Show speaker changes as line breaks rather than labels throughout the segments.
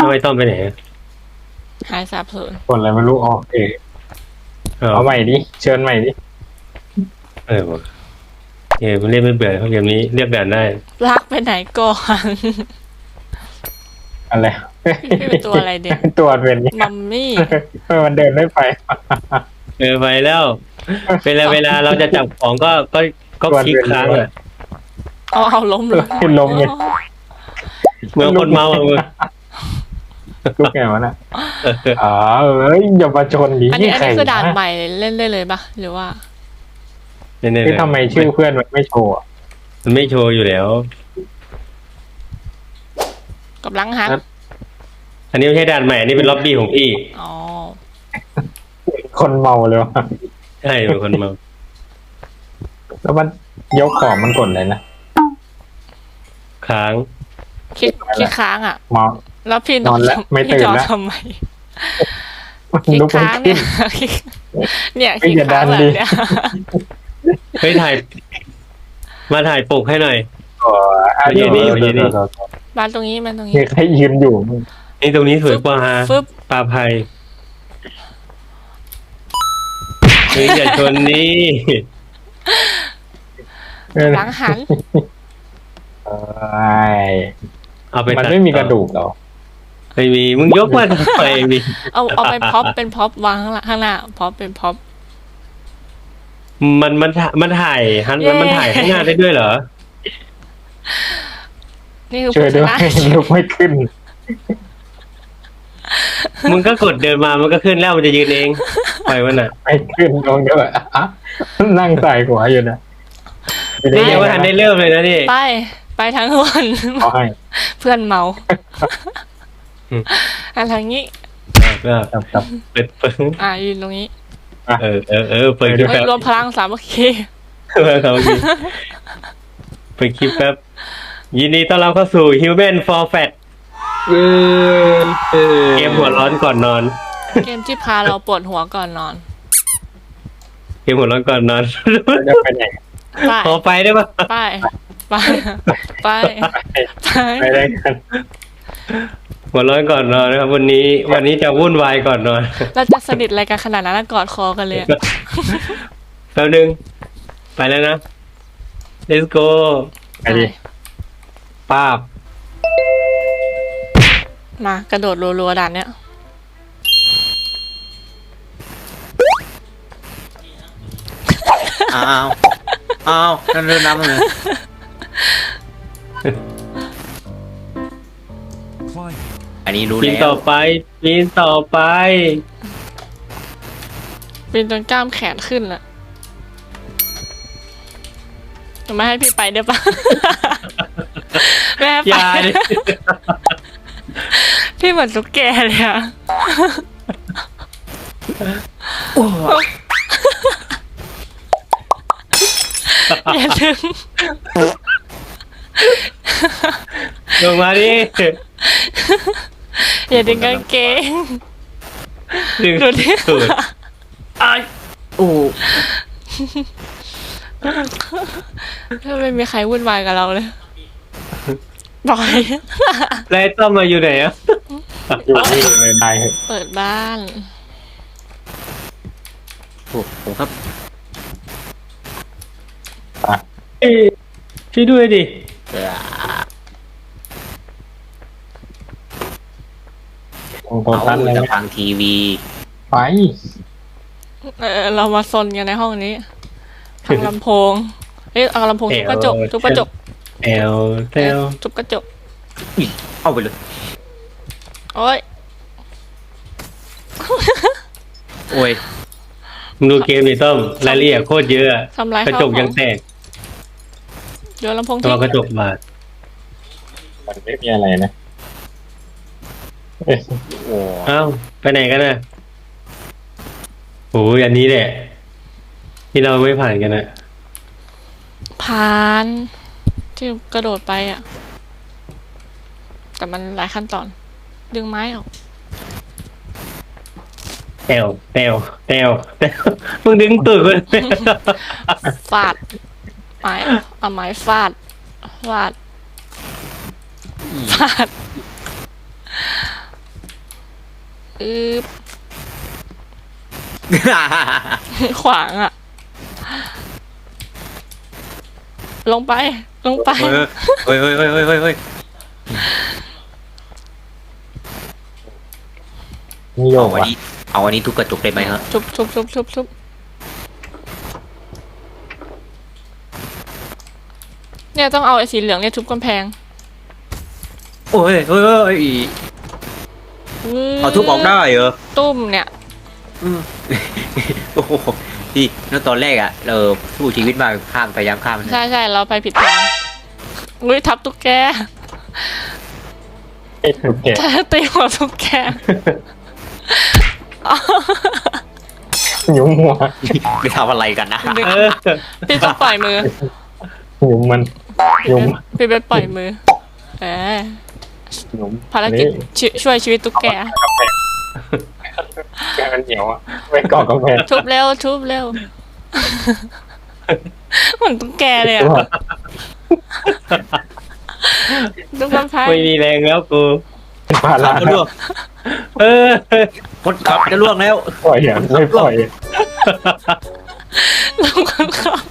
ไอ้ต้อมไปไหนอะ
หายสาบสูญ
คนอะไรไม่รู้อ๋อเอาใหม่ดิเชิญใหม่ดิ
วะมันเล่นไม่เบื่อครับเกมนี้เรียกด่านได้
ลากไปไหนก่อน
อะไร
พี่เป็นตัวอะไรเด็ก
ตัวเป็นเนี่ย
มัมมี่
มันเดินไม่ไป
ไปแล้วเวลาเราจะจับของก็คลิกค้างอ่ะ
เอาล้มเลย
ขึ้นลมเลย
เมื่อคนเมาอ่ะมึง
ลูกไงวะน่ะอ๋ออย่ามาชนดิ
อันนี้
ใคร
คือด่านใหม่เล่นได้เลยปะหรือว่า
เนี่ย
ที่ทำไมชื่อเพื่อนมันไม่โชว์
มันไม่โชว์อยู่แล้ว
กับลังฮัก
อันนี้ไม่ใช่ด่านใหม่อันนี้เป็นล็อบบี้ของพี่
อ๋อ
คนเมาเลยวะ
ใช่เป็นคนเมา
แล้วมันยกของมันกดเลยนะ
ค้าง
คิดค้างอ่ะ
เมา
แล้วพี่
นอนแล้วไม่ตื่น
พี่นอน
แล้ว
ทำไมคิด
ลุกไม่
ค้าง
ขึ้
เนี่ย
น
เนี่ยคิดค้างแบบเนี้ย
เฮ้ยมาถ่ายปกให้หน่อย
อ๋ออ่ะ
ยืนดิยืนดิ
มาตรงนี้มาตรง
มี
นี้
ใครยืนอยู่มึง
นี่ตรงนี้สวยกว่าฮะ
ฟึบ
ปลาภัยเฮ้ยอย่าชนนี่
ลังหัน
เอ้ย
เอาไป
มัน
ตัด
ไม่มีกระดูกเหรอ
ไม่มีมึงยกมาทำไมมี
เอาไปพ็อปเป็นพ็อปวางข้างหน้าพ็อปเป็นพ็อป
มันถ่ายฮัน
เย้
มันถ่ายข้างหน้าได้ด้วยเหรอ
นี่คือ
ช่วยด้วย
ผู้ชนะ
ลุกไม่ขึ้น
มึงก็กดเดินมามันก็ขึ้นแล้วมันจะยืนเองปล่อยมันอ่ะ
ไม่ขึ้นลงด้วยอ่ะนั่งใส่หัวอยู่นะ
นี่ยังไม่ทันได้เริ่มเลยนะนี่
ไปทั้งวัน
ขอให้
เพื่อนเมา
อืม
อะไรงี้
ก็
ครับ
เปิด
ยืนตรงนี้
เปิดคลิป
เฮ้ย
แป๊บ
รวมพลังสามัคคี
เปิดคลิปแป๊บยินดีต้อนรับเข้าสู่ Human for Fat เกมหัวร้อนก่อนนอน
เกมที่พาเราปวดหัวก่อนนอน
เกมหัวร้อนก่อนนอน
จะไปไหน
ไป
ขอไปได้ปะ
ไปไปไปไป
ไปได้กัน
หัวร้อนก่อนนอนนะครับวันนี้จะวุ่นวายก่อนนอน
เราจะสนิทอะไรกันขนาดนั้นกอดคอกันเลยอะ
แป๊บนึงไปแล้วนะ let's go
ไปดิ
ป้าบ
มากระโดดรัวๆด่านเนี้ย
อ้าวนั่นเรื่องน้ำเลย อันนี้รู้
ปีน
แล้
ต่
ว
อไปปีนต่อไป
ปีนจนกล้ามแขนขึ้นละไม่ให้พี่ไปได้ปะ ไม่ให้
อ
ไป
ย่าดิ
พี่เหมือนตุ๊กแกเลยอะอย่าดึง
ลงมาดิ
อย่าดึงกางเกง
ดึง
ดูดิ
สุด
โอ้
ถ้าไม่มีใครวุ่นวายกับเราเลยปล่อย
แล้วไอ้ต้อมมาอยู่ไหนอ่ะ
อยู่นี่เลยได้เหอะ
เปิดบ้าน
โหครับ
เอ้ยช่วยด้วยดิ
ตรงโต๊ะ
เอา
ท่านเลย
จะ
ไหม
ฟังทีวี
ไป
เรามาซนกันในห้องนี้ทางลำโพงเอ้ยเอาลำโพงทุบกระจกทุบกระจก
แอลเตล
ทุบกระจก
เอาไปเลย
โอ้ย
โอ้ย
มึงดูเกมดิต้อมรายละเอียดโคตรเยอะอะ
ทำลาย
กระ
ข้าว
จก
ขอ
ยัง งแตก
โยนลำโพง
ตั
ทิ้
ว
ง
กระจกบาด
มันไม่มีอะไรนะเอ้ย
โอ้
เอ้าไปไหนกันน่ะโอ้ยอันนี้แหละ ที่เราไม่ผ่านกันนะ
ผ่านที่กระโดดไปอ่ะ แต่มันหลายขั้นตอน ดึงไม้ออก
แตวมึงดึงตูดกู
ฟาดไม้เอาไม้ฟาดฟาดอึบขวางอ่ะ ลงไป ลงไป
เฮ้ยเฮ้ยเฮ้ยเฮ้ยเฮ้ยเฮ้ย
นี่โย
เอา
ก
อัน
ว่ะ
นี้เอาอันนี้ทุบกระจกได้ไหมฮะ
ชุบเนี่ยต้องเอาไอ้สีเหลืองเนี่ยทุบกำแพง
โอ้ยเฮ้ยเฮ้ยเอาทุบออกได้เหรอ
ตุ้มเนี่ย
โอ้โหพี่นั่นตอนแรกอะเราสู้ชีวิตมากข้ามพยายามข้ามนะ
ใช่เราไปผิดทางอุ้ยทับตุ๊กแก
ไอ้ถูกแกะ
ตีหัวตุ๊กแก
หยุมหัว
ไปทำอะไรกันนะ
เออ
พี่ต้องปล่อยมือ
หยุมมันหยุม
พี่เบสปล่อยมือเออ
หยุม
ภารกิจช่วยชีวิตตุ๊กแก
แกมันเหนียวอ่ะไม่เกาะกำแพง
ทุบเร็วเหมือนตุ๊กแกเลยอ่ะทุบกำแพง
ไม่มีแรงแล้วกู
พา
ขั
รา
บจะล่วง
เออ
คนขับจะล่วงแล้ว
ปล่อยอ่ะไม่ปล่อย
ลงคนขับ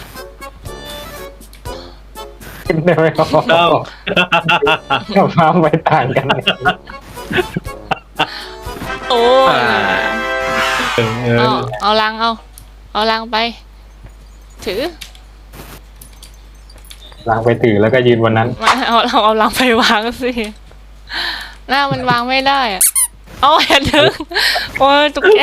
ขึ้นได้ไหมครับ
เอา
กับฟ้าไม่ต่างกัน
โอ้ย
เออ
เอาลังเอาลังไป ถือ
ล้างไปถือแล้วก็ยืนวันนั้น
มาเอาลังไปวางสิหน้ามันวางไม่ได้อะเอาอย่าดึงโอ้ยตุ๊กแก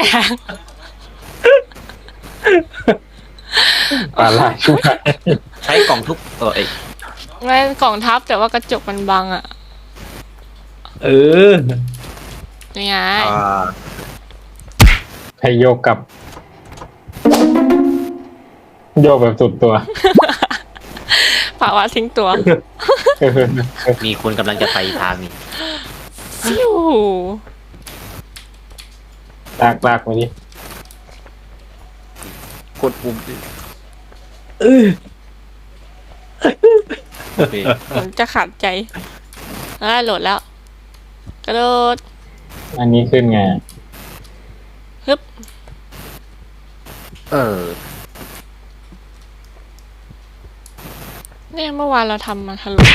ปลาลาช่วย
ใช้กล่องทุบเอ้ย
ไม่กล่องทับแต่ว่ากระจกมันบังอ่ะ
เออ
นี่ไง
ให้โยกกับ โยกแบบสุดตัว
ภาวะทิ้งตัว
มีคนกำลังจะไปทางนี้
ฟิว
ลากไปดิ
กดปุ่ม
เออ
โอเค
ผมจะขาดใจโหลดแล้ว กระโดด
อันนี้ขึ้นไง
ฮึบ
เออ
เนี่ยเมื่อวานเราทำมาทะลุ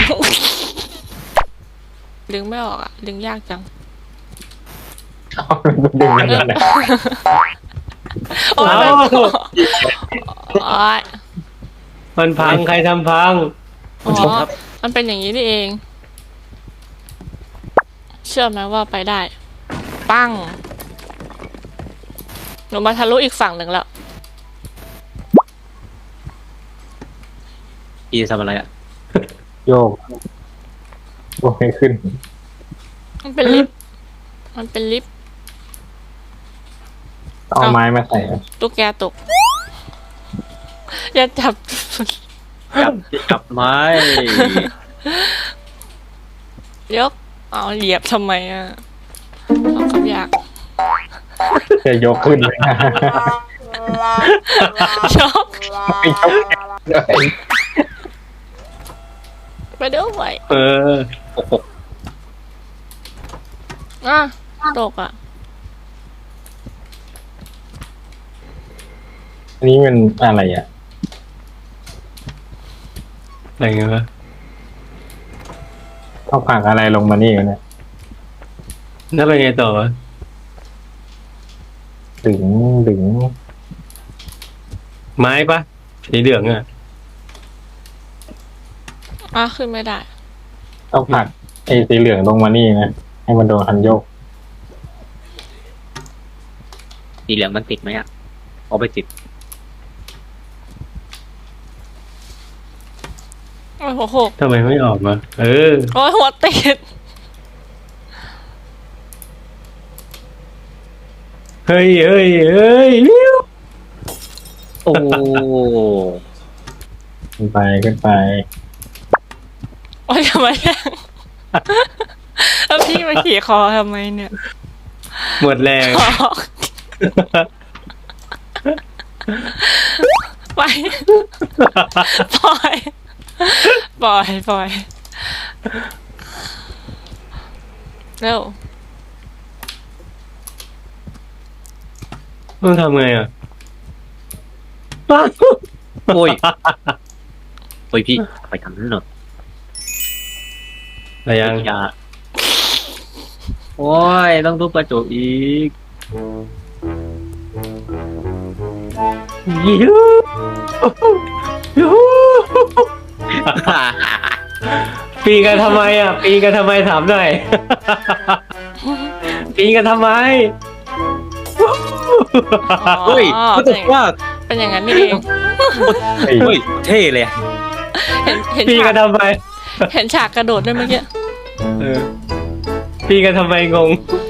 ดึงไม่ออกอ่ะ ดึงยากจัง
เอาดึงมันนั่นแหละ
โอ้ย
เอา
โอ้ย
มันพังใครทำพัง
อ๋อมันเป็นอย่างนี้นี่เอง เชื่อไหมว่าไปได้ ปั้ง หนูมาทะลุอีกฝั่งหนึ่งแล้ว
พี่จะทำอะไรอ่ะ
โยกโยกให้ขึ้น
มันเป็นลิฟต์ มันเป็นลิฟต์
เอาไม้มาใส่
ตุ๊กแกตก อย่าจับ
จับไม้
ยก เอาเหยียบทำไมอ่ะเอาคำอยาก
จะยกขึ้นเลยนะ
ยก
ไม่ยกเลย
ไปด้วย
เออ
โอ้โห
อ่ะตกอ่ะ
อันนี้มันอะไรอ่ะ
อะไรเงี้ยวะ
เขาผลักอะไรลงมานี่กันเนี่ย
แล้วเป็นไงต่อวะ
ดึง
ไม้ปะสีเหลืองอ่ะ
ขึ้นไม่ได้
เขาผลักไอ้สีเหลืองลงมานี่นะให้มันโดนคันโยก
สีเหลืองมันติดไหมอ่ะเอาไปติด
โอ้ยหัวโขก
ทำไมไม่ออกมาเออ
โอ้ยหัวติด
เฮ้ยวิว
โอ้
ขึ้นไป
โอ้ยทำไมแย่งแล้วพี่มาขี่คอทำไมเนี่ย
หมดแรง
ไป ปล่อยเร็ว
ต้องทำไงอ่ะ
โอ้ยโอ้ยพี่ไปทำนั่นหน่อย
อะไรยัง
อย่าโอ้ยต้องทุบกระจกอีก
ยูยูปีกันทำไมอ่ะ ปีกันทำไมถามหน่อย ปีกันทำไม
เฮ้ย
อ๋อ
รู้สึกว่า
เป็นอย่างนั้นนี่เอง
เฮ้ยเท่เลย
เห็น
ปี
ฉา
กั
ก
นทำไม
เห็นฉากกระโดดด้วยเมื่อกี้
เออปีกันทำไมงง